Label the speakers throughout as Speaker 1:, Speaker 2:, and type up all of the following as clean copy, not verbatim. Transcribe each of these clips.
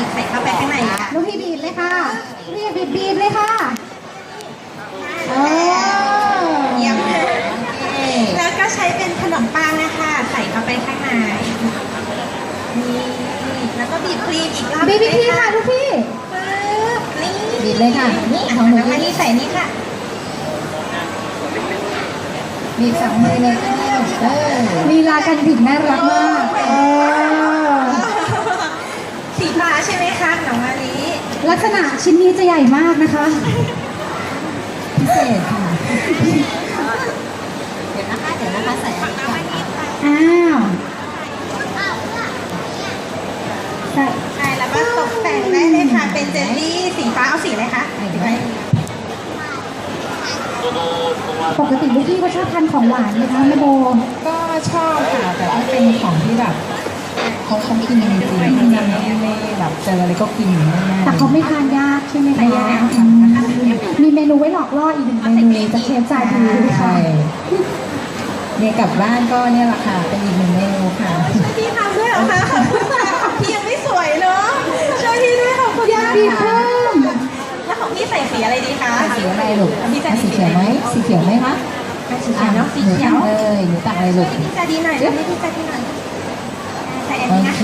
Speaker 1: บีบใส่เข้าไปข้างในค่ะ
Speaker 2: ลูกพี่บีบเลยค่ะพี่บีบเลยค่ะเออ
Speaker 1: เยี่ยมแล้วก็ใช้เป็นขนมปังนะคะใส่เข้าไปข้างในนี่แล้วก็บีบครีมอีกรอบ
Speaker 2: บีบพี่ค่ะลูกพี่
Speaker 1: ปึ๊บนี่
Speaker 2: บีบเลยค่ะนี่ของหนู
Speaker 1: แล้วก็นี่ใส่นี่ค่ะ
Speaker 2: บีบสองมือเลยค่ะลีลาการบีบน่ารักมาก
Speaker 1: สีฟ้าใช่ไหมคะน้องมะลิ
Speaker 2: ลักษณะชิ้นนี้จะใหญ่มากนะคะพิเศษค่ะ
Speaker 1: เดี๋ยวนะคะใส่อันนี้ก่อนค่ะ
Speaker 2: อ้าวใส่
Speaker 1: ใช่แล้วก็ตกแต่งได้เลยค่ะเป็นเจลลี่สีฟ้าเอาสีอะไรคะสีอะไร
Speaker 2: ปกติลูกพี่ก็ชอบทานของหวานไหมคะแม่โบ
Speaker 3: ก็ชอบค่ะแต่ว่าเป็นของที่แบบเขากินจริงๆไม่แบบเจออะไรก็กินง่ายๆ
Speaker 2: แต่เขาไม่ทานยากใช่ไหมคะ
Speaker 3: ไม่ยากค่ะ
Speaker 2: มีเมนูไว้หลอกล่ออีกหนึ่งเมนูจะเชฟจ่ายดีค่ะ
Speaker 3: ใช่เนี่ยกลับบ้านก็เนี่ยแหละค่ะเป็นอีกหนึ่งเมนูค่ะ
Speaker 1: ช่วยพี่ทำด้วยเหรอคะขอบคุณค่ะของพี่ยังไม่สวยเนาะช่วยพี่ด้วยขอบคุณ
Speaker 2: อยาก
Speaker 1: ค่ะ
Speaker 2: บีบเพิ่ม
Speaker 1: แล้วของพี่ใส่สีอะไรดีคะ
Speaker 3: สีอะไรลูก
Speaker 1: พี่จะ
Speaker 3: สีเขียวไหมสีเขียวไหมคะ
Speaker 1: สีเขียวเนาะสี
Speaker 3: หนู
Speaker 1: เขีย
Speaker 3: ตั
Speaker 1: ว
Speaker 3: กเลยหนูตักเลยลูก
Speaker 1: พี่จะดีหน่อยทำให้พี่จะดีหน่อยใส่อัน
Speaker 3: โอ
Speaker 1: นี้นะ
Speaker 3: เค
Speaker 1: คะ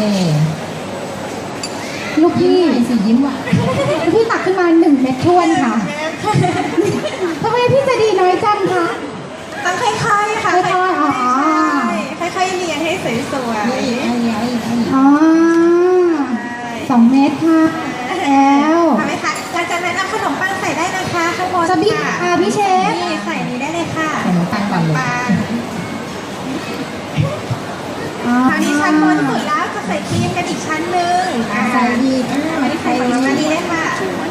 Speaker 2: ลูกพี่
Speaker 3: สียิ้มหวาน
Speaker 2: ลูกพี่ตักขึ้นมา1 เม็ดท้วนค่ะทำไมพี่ใจะดีน้อยจังคะ
Speaker 1: ต้องค่อยๆค่ะ
Speaker 2: ค่อยๆอ๋อ
Speaker 1: ใช่ค่อยๆเรียงให้สวย
Speaker 3: นี่อีกอันนี้อีกอันนี้
Speaker 2: อ๋อ2 เม็ดค่ะแล้ว
Speaker 1: ทำไหมคะหลังจากนั้นเอาขนมปังใส่ได้นะคะข้างบน
Speaker 2: จะบีบค่ะพี่เชฟ
Speaker 1: นี่ใส่นี้ได้เลยค่ะ
Speaker 3: ใส่น้ำตาลก่อนเลย
Speaker 1: ปัง
Speaker 2: อ๋อ
Speaker 1: คราวนี้ชั้นบนสุดแล้วจะใส่ครีมกันอีกชั้นหนึ่ง
Speaker 3: ใส่อีก
Speaker 1: มาที่ใส่ของน้องมาดีเลยค่ะ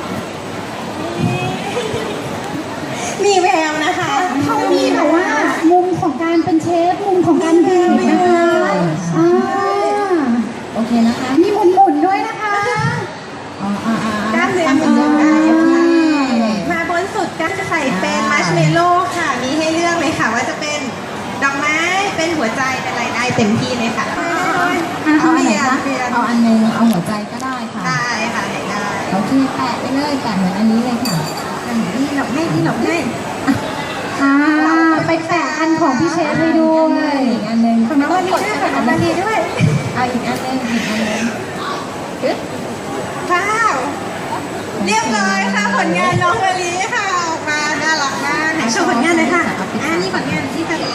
Speaker 1: มีแววนะคะ
Speaker 2: เขามีแบบว่า มุมของการเป็นเชฟ มุมของการบีบนะคะอ่า
Speaker 3: โอเคนะคะ
Speaker 2: มีหมุนๆด้วยนะคะ
Speaker 1: กล้ามเนื้อ
Speaker 3: ทำเป็นเรื่องได้โอเค
Speaker 1: มาบนสุดก็จะใส่เป็นมัชเมลโล่ค่ะ มีให้เลือกเลยค่ะ ว่าจะเป็นดอกไม้ เป็นหัวใจ เป็นอะไรได้เต็มที่เลยค่ะ
Speaker 3: เอาอันไหนคะเอาอันหนึงเอาหัวใจก็ได้ค่ะ
Speaker 1: ได้ค่ะได้
Speaker 3: โอเคแปะไปเลยแปะเหมือนอันนี้เลยค่ะ
Speaker 1: นี่หลบให้นี่หลบให้
Speaker 2: อ่า ไปแปะอันของพี่เชฟให้ด้วย
Speaker 3: อีกอันหนึง
Speaker 1: ของน้องวันนี้ด้วยค่ะน้องวันนี้ด้วย
Speaker 3: เอาอีกอันหนึงอีกอันหนึงปึ๊บ
Speaker 1: ว้าวเรียบร้อยค่ะผลงานน้องมะลิค่ะออกมาน่ารักมากไหนโชว์ผลงานเลยค่ะนี่ผลงานที่จะมี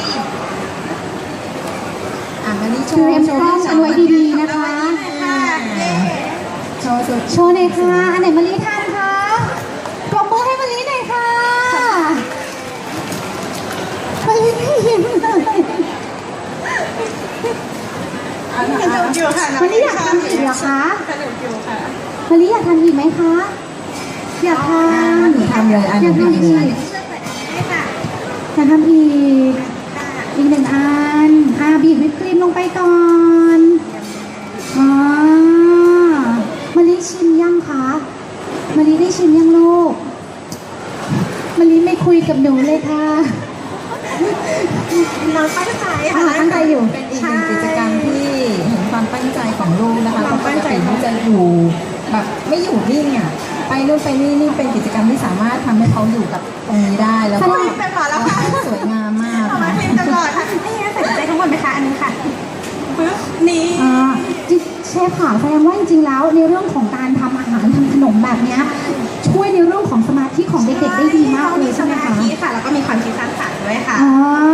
Speaker 3: มานี่โช
Speaker 2: เตรียม
Speaker 3: ว์โช
Speaker 2: กล้อง
Speaker 3: ว์
Speaker 2: กันไว้ดีๆนะคะ
Speaker 1: ค่ะเย้
Speaker 3: โชว์สุด
Speaker 2: โชว์หน่อยค่ะ อันไหนมะลิทานคะปรบมือให้มะลิหน่อยค่ะมะลิไม่ยิ้มเลย
Speaker 1: สนุกอยู่ค่ะน้อง
Speaker 2: มะลิอยากทำอีกเหรอคะ
Speaker 1: สนุกอยู่ค่ะ
Speaker 2: มะลิอยากทำอีกไหมคะ อยากทำ
Speaker 3: หนูทำเลยอันห
Speaker 2: อ
Speaker 3: นู
Speaker 2: ยากทำ
Speaker 3: ทำ
Speaker 2: อีก
Speaker 3: เล
Speaker 2: อย
Speaker 3: ย
Speaker 1: ช่วยเปิดให้ค่ะ
Speaker 2: ากทำอีก
Speaker 1: ค่ะ
Speaker 2: อีก1 อันบีบวิปครีมลงไปก่อนอ๋อมะลิชิมยังคะมะลิได้ชิมยังลูกมะลิไม่คุยกับหนูเลยค่ะ
Speaker 1: น้องตั้งใจ
Speaker 2: อ่า
Speaker 1: ค่ะ
Speaker 2: ตั้งใจอยู่
Speaker 3: เป็นอีกหนึ่งกิจกรรมที่เห็นความตั้งใจของลูกนะคะปกติที่จะอยู่แบบไม่อยู่นิ่งอ่ะไปนู่นไปนี่นี่เป็นกิจกรรมที่สามารถทำให้เขาอยู่กับตรงนี้ได้แล้วก็
Speaker 1: สนุกเป็นหมอแล้วค่ะ
Speaker 3: สวยงามมาก
Speaker 1: เอามา
Speaker 3: ค่ะ
Speaker 1: เพลงตลอดค่ะให้งั้นใส่ใจทั้งหมดไหมคะอันนี้ค่ะปึ๊บนี่
Speaker 2: อ่าเชฟค่ะแสดงว่าจริงๆแล้วในเรื่องของการทำอาหารทำขนมแบบเนี้ยช่วยในเรื่องของสมาธิของเด็กๆได้ดีมากเลยใช่ไหม
Speaker 1: ส
Speaker 2: คะ
Speaker 1: มาธิค่ะแล้วก็มีความคิดสร้างสรรค์ด้วยค่ะ
Speaker 2: อ๋อ